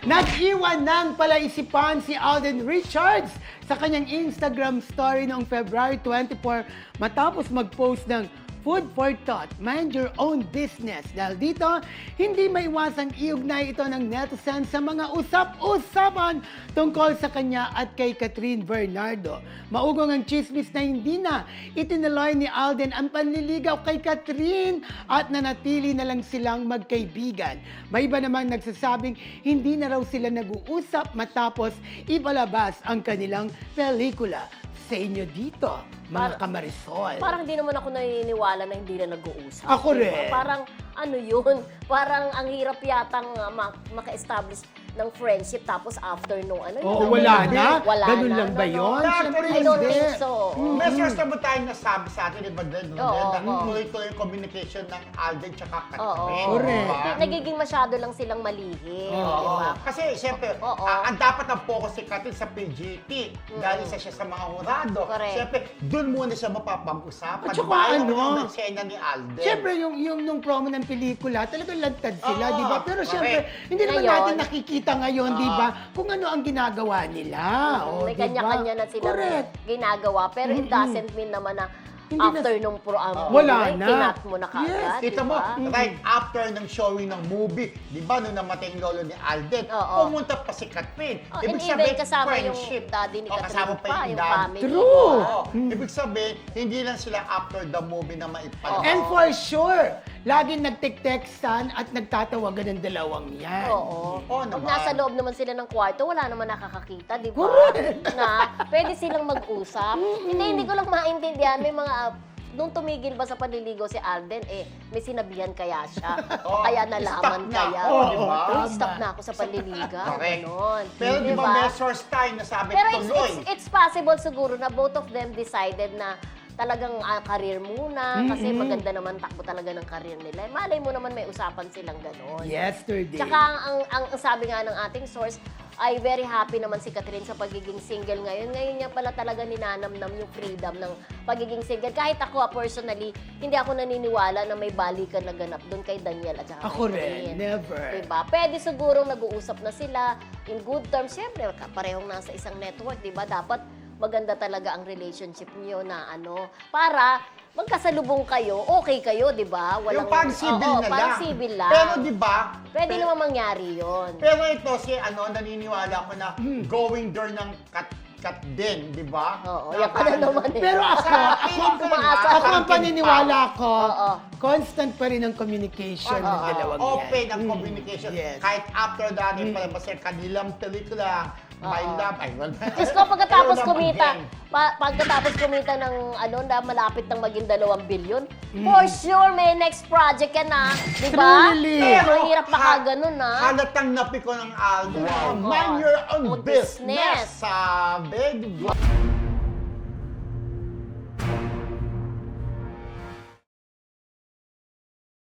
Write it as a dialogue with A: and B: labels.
A: Nag-iwan ng palaisipan si Alden Richards sa kanyang Instagram story noong February 24 matapos mag-post ng Food for thought, mind your own business. Dahil dito, hindi maiwasang iugnay ito ng netizen sa mga usap-usapan tungkol sa kanya at kay Catherine Bernardo. Maugong ang chismis na hindi na itinuloy ni Alden ang panliligaw kay Catherine at nanatili na lang silang magkaibigan. May iba namang nagsasabing hindi na raw sila nag-uusap matapos ipalabas ang kanilang pelikula. Sa inyo dito, mga kamarisol.
B: Parang hindi naman ako naniniwala na hindi na nag-uusap.
A: Ako
B: diba?
A: rin.
B: Parang ano yun, parang ang hirap yatang maka-establish ng friendship tapos after nung ano.
A: Oo, wala na?
B: Wala
A: Ganun
B: na,
A: lang ba yun?
C: Actually,
B: I don't
A: Hindi.
B: think so.
C: May source naman tayong nasabi sa atin, di ba, din,
B: Oo,
C: na
B: oo.
C: tuloy-tuloy yung communication ng Alden tsaka
B: Oo.
C: Catherine.
A: Correct.
C: diba?
B: Nagiging masyado lang silang malihim,
C: Oo.
B: di ba?
C: Kasi, siyempre,
B: Oo.
C: ang dapat ang focus si Catherine sa PGT. Dahil isa siya sa mga hurado.
B: Correct.
C: Siyempre, doon muna siya mapapag-usapan.
A: At saka
C: Ayaw
A: ano,
C: naman ng eksena ni Alden.
A: Siyempre, yung nung promo ng pelikula, talagang lantad sila,
C: Oo,
A: di ba? Pero
C: correct.
A: siyempre, hindi naman
B: Ngayon,
A: natin nakikita ngayon, di ba? Kung ano ang ginagawa nila. O,
B: May
A: di ba?
B: kanya-kanya na silang
A: Correct.
B: ginagawa. Pero it doesn't mean naman na
A: Hindi na-
B: after nung
A: Wala na.
B: kinat mo na kaagad.
A: Yes.
C: Kita
B: di
C: mo,
B: ba?
C: right after ng showing ng movie, di ba, nung namatay yung lolo ni Alden,
B: Oo.
C: pumunta pa si Catherine.
B: Oh, and even kasama yung daddy ni
C: O,
B: Catherine
C: kasama pa
B: pa,
C: yung
B: yung
C: dad.
B: family.
A: True.
B: di ba?
C: Oo. Ibig sabihin, hindi lang sila after the movie na maipalabas.
A: And for sure, laging nagtek-textan at nagtatawagan ng dalawang yan.
B: Oo.
C: Oo
B: Pag
C: naman.
B: nasa loob naman sila ng kwarto, wala naman nakakakita, di ba?
A: Correct.
B: Na pwede silang mag-usap. Hindi ko lang maintindihan. May mga, nung tumigil ba sa panliligaw si Alden, may sinabihan kaya siya.
C: Oo.
B: Kaya nalaman
C: Stop na
B: kaya.
C: ako, di ba?
B: Uy, stop na ako sa panliligaw.
C: Correct.
B: Ganon.
C: Pero di ba,
B: Diba?
C: may source tayo na sabi
B: Pero
C: tuloy.
B: it's possible siguro na both of them decided na talagang career muna kasi maganda naman takbo talaga ng career nila. Malay mo naman may usapan silang ganon.
A: Yesterday.
B: Tsaka ang sabi nga ng ating source, ay very happy naman si Catherine sa pagiging single ngayon. Ngayon niya pala talaga ninanamnam yung freedom ng pagiging single. Kahit ako personally, hindi ako naniniwala na may balikan na ganap doon kay Daniel at saka
A: Ako
B: kay
A: rin,
B: Catherine.
A: never.
B: Diba? Pwede sigurong nag-uusap na sila in good terms. Siyempre, parehong nasa isang network, diba? Dapat maganda talaga ang relationship niyo na para magkasalubong kayo, okay kayo, di ba?
C: Yung parang civil na lang.
B: parang civil lang.
C: Pero di ba?
B: Pwede naman mangyari yon.
C: Pero ito si naniniwala ko na going there ng cut din, di ba?
B: Oo, yan ka na naman eh.
A: Pero ako,
B: Feeling ko maasa.
A: ako ang paniniwala ko,
B: Oo.
A: constant pa rin ang communication ng dalawang yan.
C: Open ang communication.
A: Yes.
C: Kahit after that, palabas yung kanilang pelikula, My Love, ay, well,
B: Diyos ko, pagkatapos
C: pero
B: kumita,
C: naman
B: pagkatapos kumita ng na malapit ng maging 2 billion, for sure may next project yan di ba?
A: Truly.
B: Pero mahirap makaganon
C: Halatang napiko ng album. Mind your own
B: Own
C: business.
B: business.
C: Sabi, di ba?